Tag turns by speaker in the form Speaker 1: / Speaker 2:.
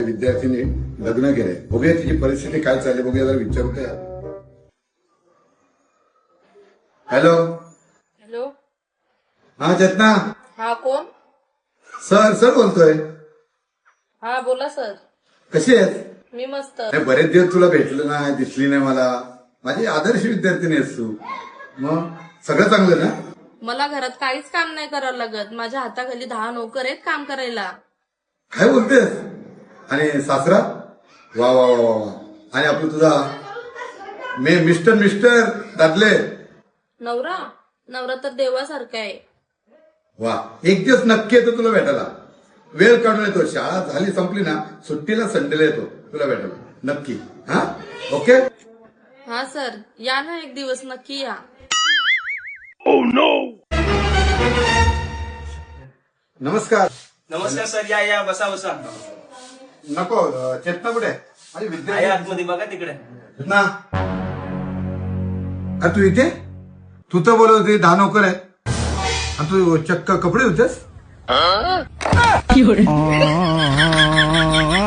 Speaker 1: विद्यार्थीने लग्न केलंय. बघूया तिची परिस्थिती काय चालली, बघूया जरा विचारतोय. हॅलो.
Speaker 2: हॅलो.
Speaker 1: हा चेतना.
Speaker 2: हा कोण?
Speaker 1: सर बोलतोय.
Speaker 2: हा बोला सर.
Speaker 1: कशी आहेस?
Speaker 2: मी मस्त.
Speaker 1: बरेच दिवस तुला भेटलं नाही, दिसली नाही मला. माझी आदर्श विद्यार्थिनी आहेस तू. मग सगळं चांगलं ना?
Speaker 2: मला घरात काहीच काम नाही करावं लागत. माझ्या हाताखाली 10 नोकर आहेत काम करायला.
Speaker 1: काय बोलतेस? आणि सासरा? वा वा वा वा. आणि आपलं तुझा मिस्टर दादले?
Speaker 2: नवरा तर देवासारखा आहे.
Speaker 1: वा. एक दिवस नक्की येतो तुला भेटायला. वेळ काढून येतो. शाळा झाली संपली ना, सुट्टीला संडेला येतो तुला भेटायला नक्की. हा ओके.
Speaker 2: हा सर, या ना एक दिवस नक्की या.
Speaker 1: नमस्कार.
Speaker 3: नमस्कार सर. या बसा.
Speaker 1: नको. चेतना कुठे? माझी
Speaker 3: आहे
Speaker 1: विद्यार्थी
Speaker 3: आतमध्ये बघा तिकडे.
Speaker 1: ना. तू इथे? तू तर बोलत होती 10 नोकर आहे आणि तू चक्क कपडे होतेस.